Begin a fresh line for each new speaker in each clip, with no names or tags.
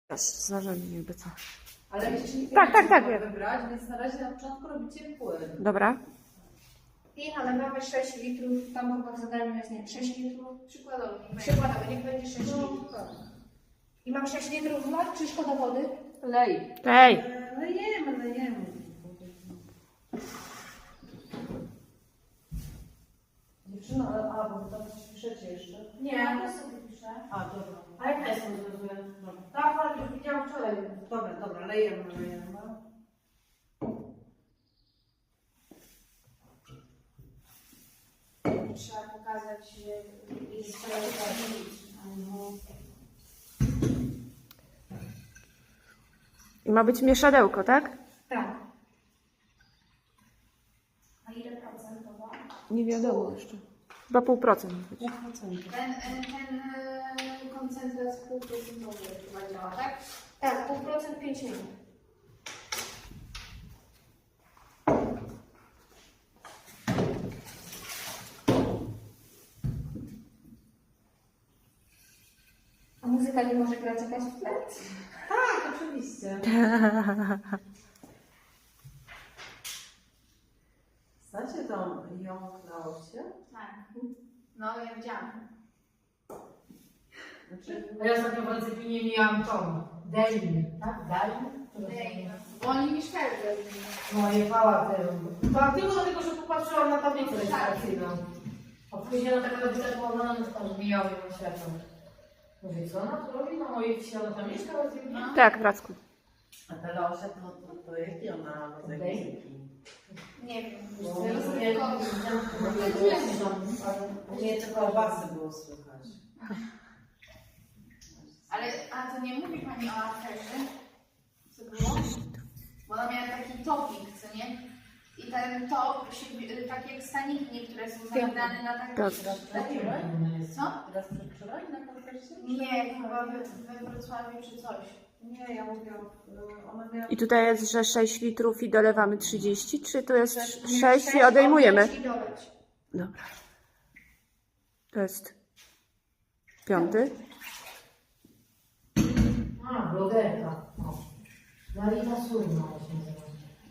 Zależy jakby co.
Ale jeszcze nie
Tak,
wiem wybrać, więc na razie na początku robicie płyn.
Dobra.
I nalewamy 6 litrów, tam chyba w zadaniu jest, nie, 6 litrów.
Przykładowo.
Przykładowo, niech będzie 6 litrów. I mam 6 litrów wlać, czy szkoda wody?
Lej.
Ej!
Lejemy. Dziewczyno, bo wy tam coś piszecie jeszcze.
Nie, ja to sobie piszę.
A, dobra.
A jaka jest rozwiązanie?
Tak, ale już widziałam wczoraj. Dobra, lejemy.
Trzeba pokazać, że jest sprawiedliwość.
I ma być mieszadełko, tak?
Tak. A ile procentowa?
Nie wiadomo jeszcze. Chyba 0,5%.
Ten koncentrat półprocentowy chyba działa, tak?
Tak, 0,5% 5 minut. A muzyka nie może grać jakaś w tle?
Tak, oczywiście. Znacie tą ją na osie?
Tak. No, ja widziałam.
Znaczy,
A ja ostatnio w Alcepinie miałam tą Delin, tak? Delin?
Bo oni mieszkają w Berlinie.
No jechała tylko dlatego, że popatrzyłam na tablicę rejestracyjną. A później ona taka robiła położona, no to tam zmieniała ją światło. Mówię, co ona tu robi na mojej wsi? Ona tam mieszka w Alcepinie?
Tak, w Racku.
a ta Laosia to jaki ona rodzaj muzyki?
Nie wiem.
Nie, tylko basy było słychać.
Ale, a to nie mówi Pani o aferze? Co było? Bo ona miała taki topik, co nie? I ten top, tak jak staniki niektóre są zamknięte na taki...
Tak.
Co?
Teraz przedwczoraj na koncercie?
Nie, chyba we Wrocławiu czy coś.
Nie, ja mówię, ona miała...
I tutaj jest, że 6 litrów i dolewamy 30, czy to jest 6 i odejmujemy?
I doleć.
Dobra. To jest 5.
A, blogerka. Marina Surma się nazywa.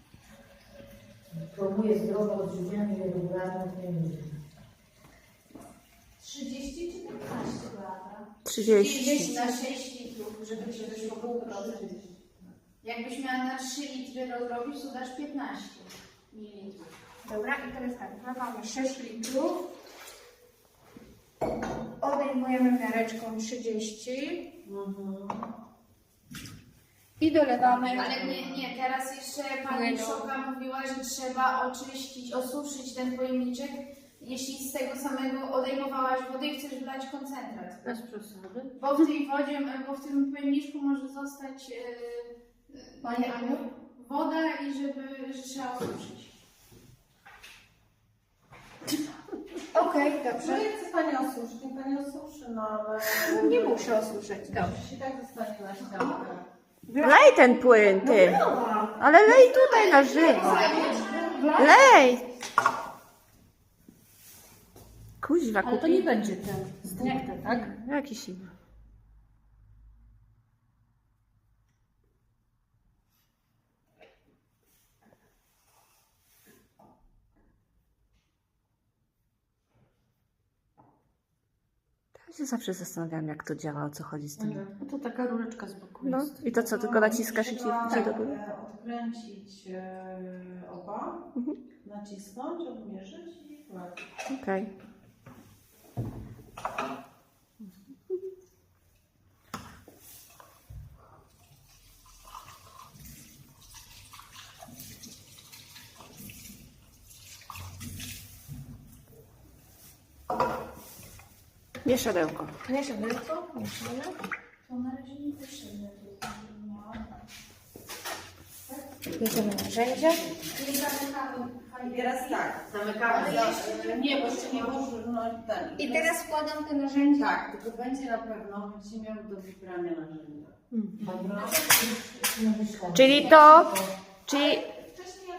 Promuje zdrowe odżywianie i regularne treningi.
30 czy 15 lata?
30.
Na 6 litrów, żeby się wyszło 0,5%. Jakbyś miała na 3 litry rozrobić, to dasz 15 ml.
Dobra, i teraz tak, wlewamy 6 litrów. Odejmujemy miareczką 30. I dolewamy.
Ale nie, teraz jeszcze pani Szoka mówiła, że trzeba oczyścić, osuszyć ten pojemniczek, jeśli z tego samego odejmowałaś wodę i chcesz wlać koncentrat.
Bez przesady.
Bo w tej wodzie, bo w tym pojemniczku może zostać
Pani Aniu?
woda i że trzeba osuszyć.
Okej,
No
dobrze.
jak chce Pani osuszyć, niech Pani osuszy, no ale...
Nie muszę osuszyć, dobrze.
Przecież i tak zostanie na ściankę.
Lej ten płyn, ty. Ale lej tutaj na żywo. Lej! Kuźwa,
Ale to nie będzie ten stricte, tak?
Jakiś inny. Ja się zawsze zastanawiam, jak to działa, o co chodzi z tym.
No to taka rureczka z boku
No
jest.
i to co, tylko naciskasz i ci idzie do góry?
Odkręcić oba, nacisnąć, odmierzyć i wkładać.
Okej. Mieszadełko.
Mieszadełko, mieszamy.
To na razie nie potrzebne.
Bierzemy narzędzia.
I teraz tak,
Zamykamy.
nie, bo jeszcze nie może, no ten.
I teraz wkładam te narzędzia.
Tak, tylko będzie na pewno, będziecie miały do wybrania narzędzia.
Dobra.
Czyli to, czyli